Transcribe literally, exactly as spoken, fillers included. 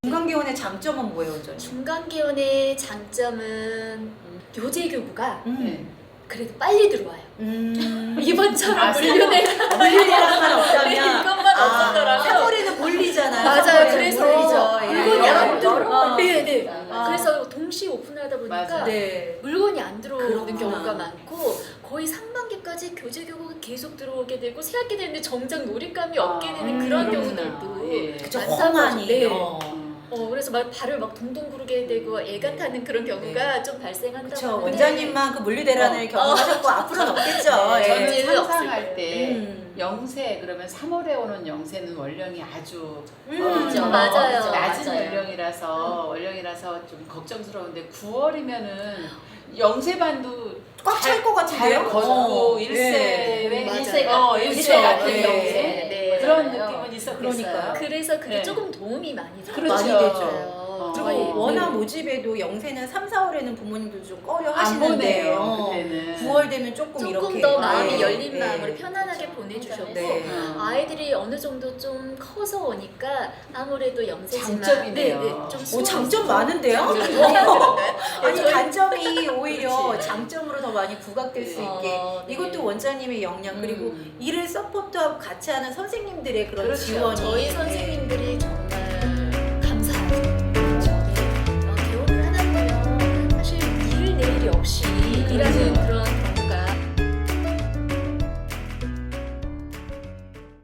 중간기원의 장점은 뭐예요, 원장님? 중간기원의 장점은 교재교구가 음. 그래도 빨리 들어와요. 음. 이번처럼 아, 물류네. 물리대랑만 없다면 이것만 없었더라면. 사거리는 몰리잖아요. 맞아요. 사거리는 그래서 몰리죠. 예. 물건이 여러 안 번, 들어. 여러 번. 네네. 아. 그래서 동시에 오픈하다 보니까 맞아요. 네. 물건이 안 들어오는 그렇구나. 경우가 많고 거의 상반기까지 교재교구가 계속 들어오게 되고 새학기 되는데 정작 놀잇감이 없게 아, 되는 음, 그런 그렇구나. 경우들도 예. 그쵸, 많다고 험하니. 네. 어. 어, 그래서 막 발을 막 동동 구르게 되고 애가 타는 그런 경우가 좀 발생한다고 그쵸. 하는데 원장님만 그 물리대란을 어. 경험하셨고 앞으로는 없겠죠. 네. 예. 저는 전제는 상상할 없을 때 음. 영세 그러면 삼월에 오는 영세는 원령이 아주 음. 그렇죠. 어, 맞아요. 낮은 맞아요. 원령이라서 원령이라서 좀 걱정스러운데 구월이면은 영세반도 꽉 찰 것 같은데요? 잘 걷고 어. 일세 네. 맞아요. 일세 어 일세 그쵸. 같은 네. 영세 네. 그런 맞아요. 느낌은 있었겠어요. 그러니까요. 그래서 그게 네. 조금 도움이 많이 돼요. 그렇죠. 많이 되죠. 맞아요. 그리고 저희, 워낙 네. 모집에도 영세는 삼, 사월에는 부모님들 좀 꺼려 안 하시는데 보내요. 어, 그때는 구월 되면 조금, 조금 이렇게 더 마음이 네. 열린 네. 마음으로 편안하게 그렇죠. 보내주셨고 네. 어. 아이들이 어느 정도 좀 커서 오니까 아무래도 영세지만 장점이네요. 네, 네, 좀 오, 수월해서 장점 많은데요? 장점이 어. 아니 저희- 단점이 오히려 그렇지. 장점으로 더 많이 부각될 수 어, 있게 네. 이것도 원장님의 역량 그리고 음. 이를 서포트하고 같이 하는 선생님들의 그런 그렇죠. 지원이 저희 네. 선생님들이